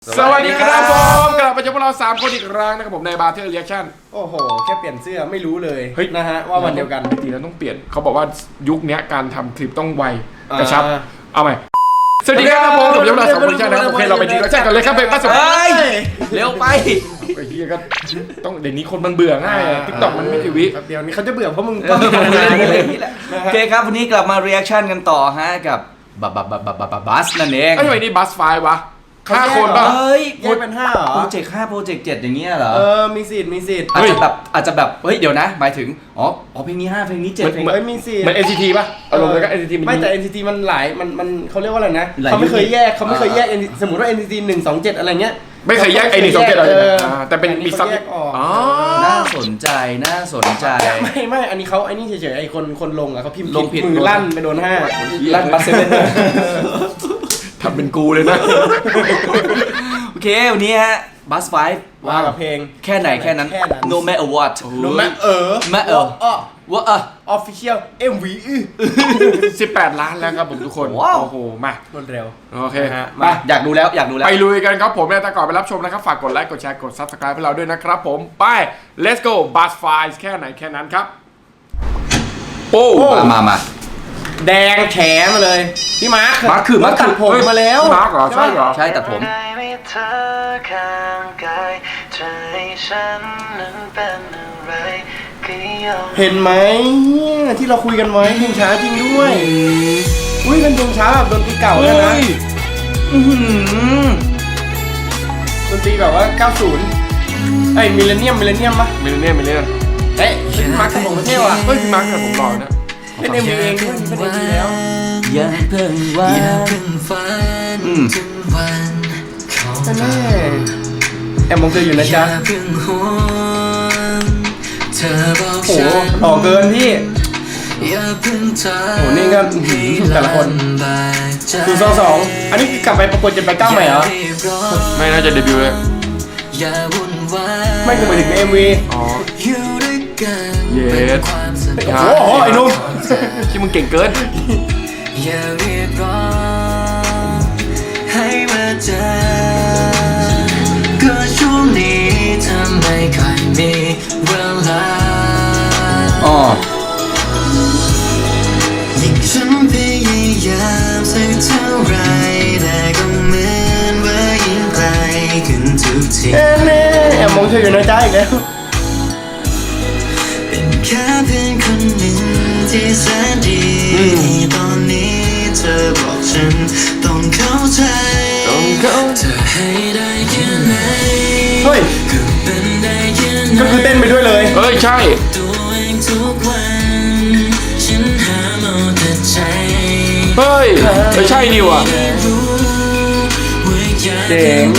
สวัสดีครับผมกลับมาเจอพวกเรา3คนอีกครั้งนะครับผมในบาร์เทอร์เรีแอคชั่นโอ้โหแค่เปลี่ยนเสื้อไม่รู้เลยเฮ้ยนะฮะว่าวันเดียวกันจริงๆแล้วต้องเปลี่ยนเขาบอกว่ายุคนี้การทำคลิปต้องไวกระชับเอาใหม่สวัสดีครับผมกับพวกเรา3คนใช่นะครับโอเคเราไปดีแล้วใช่กันเลยครับเป็นบ้านสบายเร็วไปไอ้เหี้ยก็ต้องเดี๋ยวนี้คนมันเบื่อง่ายทิกตอกมันไม่กี่วิเดี๋ยวนี้เขาจะเบื่อเพราะมึงต้องอะไรนี่แหละโอเคครับวันนี้กลับมาเรีแอคชั่นกันต่อฮะกับบัสนั่นเองไอ้ทำไมนี่บัสไฟวะ5 คนป่ะเฮ้ยแยกเป็น5เหรอโปรเจกต์5โปรเจกต์7อย่างเงี้ยเหรอมีสิทธิ์อาจจะแบบเฮ้ยเดี๋ยวนะหมายถึงอ๋อเพลงนี้5เพลงนี้7เพลงมีสิทธิ์เหมือน NCT ป่ะอารมณ์แล้วก็ NCT ไม่แต่ NCT มันหลายมันเขาเรียกว่าอะไรนะเขาไม่เคยแยกสมมติว่า NCT 127อะไรเงี้ยไม่เคยแยกไอ้127อะไรแต่เป็นมีซับอ๋อน่าสนใจไม่อันนี้เขาไอ้นี่เฉยๆไอ้คนลงอ่ะเขาพิมพ์ผิดมือลั่นไปโดน5 ลั่นบัสเซเว่นทำเป็นกูเลยนะโอเควันนี้ฮะบัสไฟว่ากับเพลงแค่ไหนแค่นั้น no matter what no matter what official MV 18 ล้านแล้วครับผมทุกคนโอ้โหมารวดเร็วโอเคมาอยากดูแล้วไปลุยกันครับผมแต่ก่อนไปรับชมนะครับฝากกดไลค์กดแชร์กด Subscribe ให้เราด้วยนะครับผมไป let's go Buzz Files แค่ไหนแค่นั้นครับโอ้มาแดงแฉมาเลยพี่มาร์คตัดผมมาแล้วมาร์คเหรอใช่เหรอใช่ตัดผมเห็นไหมที่เราคุยกันไว้เพลงช้าจริงด้วยอุ้ยเป็นเพลงช้าแบบดนตรีเก่าแล้วนะดนตรีแบบว่า90ไอ้มิลเลนเนียมปะมิลเลนเนียมเฮ้ยพี่มาร์คตัดผมมาเท่ว่ะเฮ้ยพี่มาร์คตัดผมหล่อนะเป็นMVเองด้วยเป็นMVแล้วอย่าเพิ่งฝันถึงวันแต่แม่แอมมองเธออยู่นะจ๊ะโอ้โหหล่อเกินพี่โอ้นี่ก็แต่ละคนคือ2อันนี้กลับไปประกวดจะไป9ใหม่เหรอไม่น่าจะเดบิวต์เลยไม่คือไปถึงใน MV อ๋อเย็ดโอ้โหไอ้นุ่มที่มึงเก่งเกินอย่าเรียกร้องให้มาเจอก็ช่วงนี้ทำไมค่อยมีเวลายิ่งฉันพยายามสักเท่าไรแต่ก็เหมือนว่ายิ่งไกลขึ้นทุกทีแอบมองเธออยู่นะจ๊ะอีกแล้วเป็นแค่เพื่อนคนหนึ่งที่แสนดีตอนนี้เธอบอกฉันต้องเข้าใจเธอให้ได้แค่ไหนเฮ้ยก็คือเต้นไปด้วยเลยเฮ้ยใช่เฮ้ยไม่ใช่นี่ว่ะเจ๋ง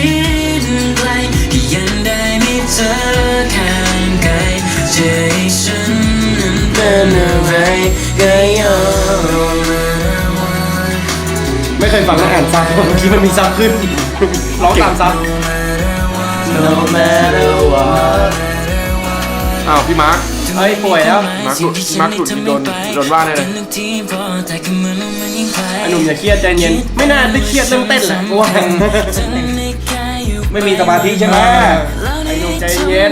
ไม่เคยฟังแล้วอ่านซับเมื่อกี้มันมีซับขึ้นร้องตามซับ No matter what อ้าวพี่มาร์คเฮ้ยป่วยแล้วมาร์คหลุดโดนว่าแน่เลยไอ้หนุ่มอย่าเครียดใจเย็นไม่น่าได้เครียดเรื่องเต้นแหละกูว่าไม่มีสมาธิใช่ไหมไอ้หนุ่มใจเย็น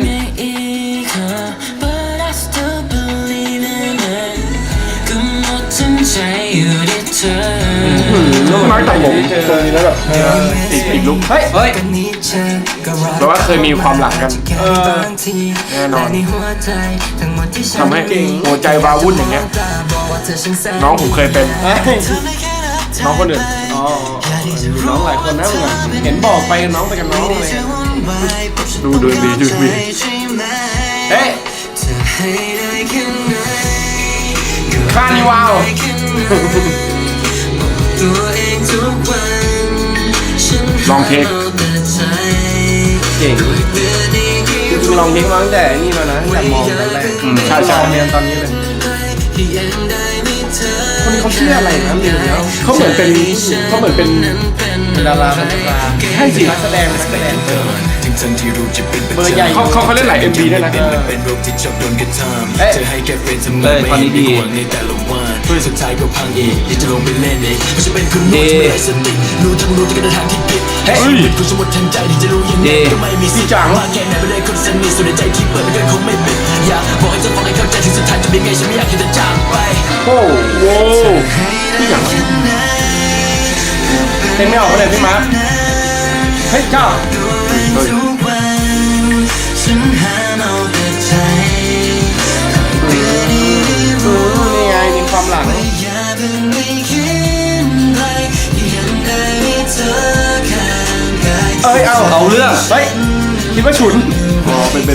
มาร์คตัดผมตรงนี้แล้วแบบติดลุกเฮ้ยแปลว่าเคยมีความหลังกันแน่นอนทำให้หัวใจวาวุ่นอย่างเงี้ยน้องผมเคยเป็นน้องคนอื่นน้องหลายคนนะมึงเห็นบอกไปน้องไปกับน้องเลยดูบีเฮ้ยคาร์นิวัลลองเทคเก่งคือลองเทคมาตั้งแต่นี่แล้วนะแต่มองตอนแรกใช่เรียนตอนนี้เลยคนนี้เขาชื่ออะไรนะเรียนแล้วเขาเหมือนเป็นดาราใช่สินักแสดงเบอร์ใหญ่เขาเล่นหลาย MV ด้วยนะเป็นโรคที่ชอบโดนกระทำเอ๊ะจะให้แค่เป็นทำไมไม่ให้ห่วงในแต่ละวันสุดท้ายก็พังอีกอยากจะลงไปเล่นเองเพราะฉันเป็นคนโง่ที่ไม่ได้สติรู้ทั้งรู้ที่กระทางที่ผิดชีวิตกูสมมติทันใจที่จะรู้ยังไงก็ไม่มีสิทธิ์มากแค่ไหนไม่ได้คนสนิทส่วนในใจที่เปิดไม่เคยคงไม่ปิดอยากบอกให้เธอฟังให้เข้าใจถึงสุดท้ายจะเป็นไงฉันไม่อยากให้เธอจากไปโอ้โหพี่อย่างเต้นไม่ออกเลยพี่มาร์คเฮ้ยเจ้าทุกวันฉันหาเอาแต่ใจเพื่อที่รู้นี่ไงมีความหลังอย่าเพิ่งไม่คิดไรยังได้มีเธอข้างกายเอ้ยเอาเรื่องเฮ้ยคิดว่าฉุนอ๋อเป็น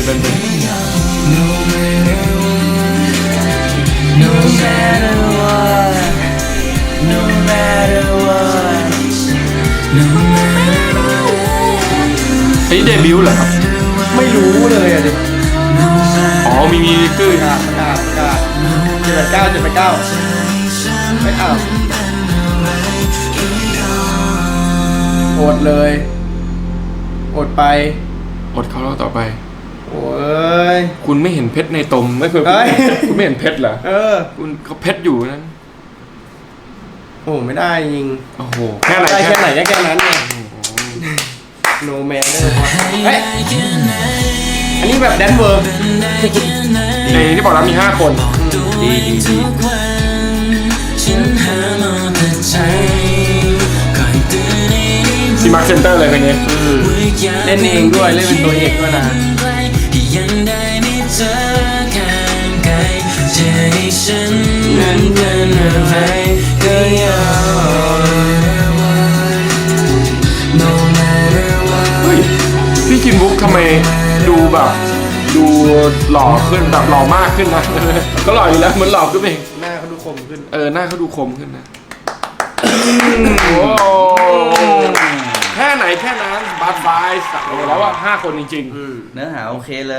No matter what No matter what No matter what อันนี้เดบิวต์เหรอครับไม่รู้เลยอ่ะดิอ๋อมีคือประกาศ789ไม่เอาอดเลยอดไปอดเขาแล้วต่อไปโอ้ยคุณไม่เห็นเพชรในตมไม่เคยเอ้ยคุณไม่เห็นเพชรเหรอ คุณเขาเพชรอยู่นั้นโอ้ไม่ได้จริงโอ้โหแค่ไหนได้แค่ไหนก็แค่นั้นไงโนแมนเลยเฮ้ยอันนี้แบบแดนเวอร์ในที่บอกแล้วมี5 คนดีทุกวันฉันหามาแต่ใจคอยเตือนให้ได้รู้ซีมาร์คเซนเตอร์เลยคนนี้เล่นเองด้วยเล่นเป็นตัวเอกด้วยนะยังได้มีเธอข้างกายจะให้ฉันนั้นเป็นอะไรก็ยอม No matter what เฮ้ยพี่คิมบุ๊กทำไมดูแบบดูหล่อขึ้นแบบหล่อมากขึ้นนะ ก็หล่ออยู่แล้วเหมือนหล่อขึ้นเองหน้าเขาดูคมขึ้นหน้าเขาดูคมขึ้นนะโอ้แค่ไหนแค่นั้นบาร์ไฟส์แล้วว่า5 คนจริงเนื้อหาโอเคเลย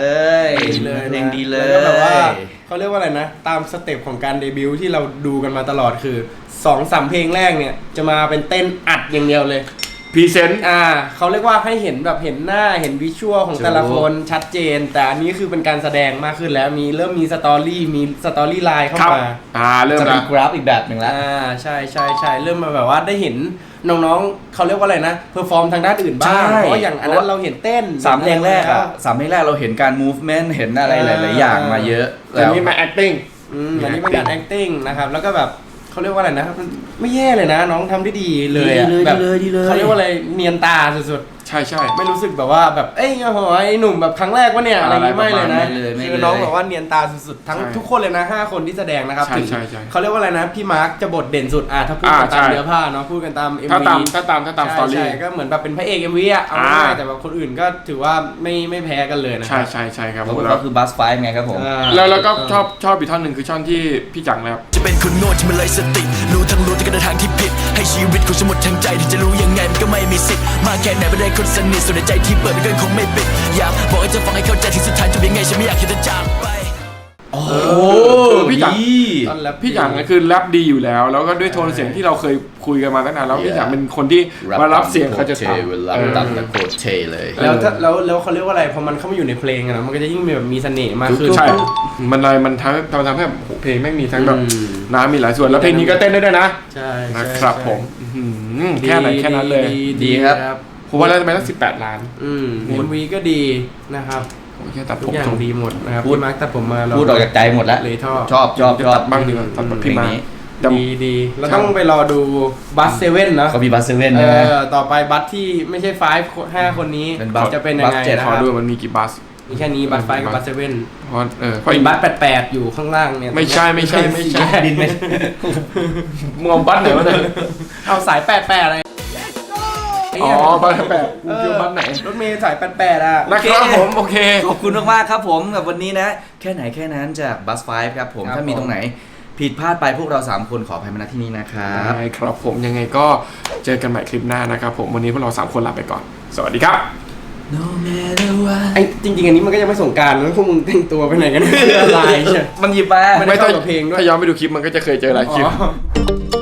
ดีเลยเพลงดีเลยแล้วก็แบบว่าเขาเรียกว่าอะไรนะ ตามสเต็ปของการเดบิวต์ที่เราดูกันมาตลอดคือ 2-3 เพลงแรกเนี่ยจะมาเป็นเต้นอัดอย่างเดียวเลยๆพรีเซนต์เขาเรียกว่าให้เห็นแบบเห็นหน้าเห็นวิชวลของแต่ละคนชัดเจน แต่อันนี้คือเป็นการแสดงมากขึ้นแล้วเริ่มมีสตอรี่ไลน์เข้าครับมาเริ่มจะแล้เป็วนกราฟอีกแบบหนึ่งแล้วใช่เริ่มมาแบบว่าได้เห็นน้องๆเขาเรียกว่าอะไรนะเพอร์ฟอร์มทางด้านอื่นบ้างใช่เพราะอย่างอันนั้นเราเห็นเต้น 3 เพลงแรกอะ3 เพลงแรกเราเห็นการ movement เห็นอะไรหลาย ๆ อย่างมาเยอะแต่แล้วนี่มา acting อันนี้เป็นการ acting นะครับแล้วก็แบบเขาเรียกว่าอะไรนะมันไม่แย่เลยนะ น้องทำได้ดีเลยอะแบบดีเลยเขาเรียกว่าอะไรเนียนตาสุดใช่ๆไม่รู้สึกแบบว่าแบบเอ้ยโอ้โหไอ้หนุ่มแบบครั้งแรกวะเนี่ยอะไรอย่างงี้ไม่เลยนะไม่เลยคือน้องแบบว่าเนียนตาสุดๆทั้งใช่ทุกคนเลยนะ5 คนที่แสดงนะครับใช่ถึงใช่เขาเรียกว่าอะไรนะพี่มาร์คจะบทเด่นสุดถ้าพูดกันตามใช่เนื้อผ้าเนาะพูดกันตาม MV ถ้าตามสตอรี่ใช่ก็เหมือนแบบเป็นพระเอก MV อ่ะเอาง่ายๆแต่แบบคนอื่นก็ถือว่าไม่แพ้กันเลยนะใช่ครับแล้วแล้ก็วคือบัสไฟไงครับผมแล้วก็ชอบอีกท่อนหนึ่งคือท่อนที่พี่จังแล้วจะเป็นคนโง่ที่มันเลยสติรู้ทั้งรู้ที่กระทางที่ผิดให้ชีวิตกูสมดทั้งใจที่จะรู้ยังไงมันก็ไม่มีสิทธิ์มากแค่ไหนไม่ได้คนสนิทส่วนในใจที่เปิดไม่เคยคงไม่ปิดอยากบอกให้เธอฟังให้เข้าใจที่สุดท้ายจะเป็นไงฉันไม่อยากให้เธอจากไปโอ้พี่จังตอนแรปพี่จังคือแรปดีอยู่แล้ว แล้วก็ด้วยโทนเสียงที่เราเคยคุยกันมาตั้งนานแล้วพี่จังเป็นคนที่มารับเสียงเขาจะทำรับตามตะโคตรเทเลยแล้วเขาเรียกว่าอะไรพอมันเข้ามาอยู่ในเพลงอะนะมันก็จะยิ่งมีเสน่ห์มากขึ้นใช่มันทำให้แบบโอ้โหเพลงแม่งมีทั้งแบบอืมน้ำมีหลายส่วนแล้วเพลงนี้ก็เต้นได้ด้วยนะใช่นะครับผมอื้อหือแค่ไหนแค่นั้นเลยดีครับผมว่าแล้วทำไมต้อง18 ล้าน MV ก็ดีนะครับผมแค่ตัดผทุกมอย่างทรงดีหมดนะครับพูดพี่มาร์คตัดผมมาเราพูดออกจากใจหมดแล้วเลยชอบชอบตัดบ้างดีกว่าตัดแบบพี่มาเพลงนี้แต่ดีเราต้องไปรอดูบัสเซเว่นนะเขามีบัสเซเว่นใช่ไหมต่อไปบัสที่ไม่ใช่5 คนนี้เป็นบัสจะเป็นยังไงบัสเจ็ดนะขคอรับดูมันมีกี่บัสมีแค่นี้บัส5กับบัสเซเว่นเพราะเพก็ราะอีอีกกบับัสส 8อยู่ข้างล่างเนี่ยไม่ใช่ดินไม่มึงเอาบัสไหนวะเนี่ยเอาสาย88อะไรอ๋อบัส8กูคิดว่าบัสไหนรถเมล์สาย88อ่ะนะครับผมโอเคขอบคุณมากๆครับผมกับวันนี้นะ แค่ไหนแค่นั้นจากบัสไฟครับผมครับถ้ามีผมตรงไหนผิดพลาดไปพวกเรา 3 คนขออภัยมาณที่นี้นะครับใช่ครับผมยังไงก็เจอกันใหม่คลิปหน้านะครับผมวันนี้พวกเรา3 คนลาไปก่อน สวัสดีครับ No matter what ไอ้จริงๆอันนี้มันก็ยังไม่สงกรานต์แล้วพวกมึงแต่งตัวไปไหนกัน อะไรใช่มันหยิบมาไม่ได้เข้ากับเพลงด้วยถ้าย้อนไปดูคลิปมันก็จะเคยเจอหลายคลิปอ๋อ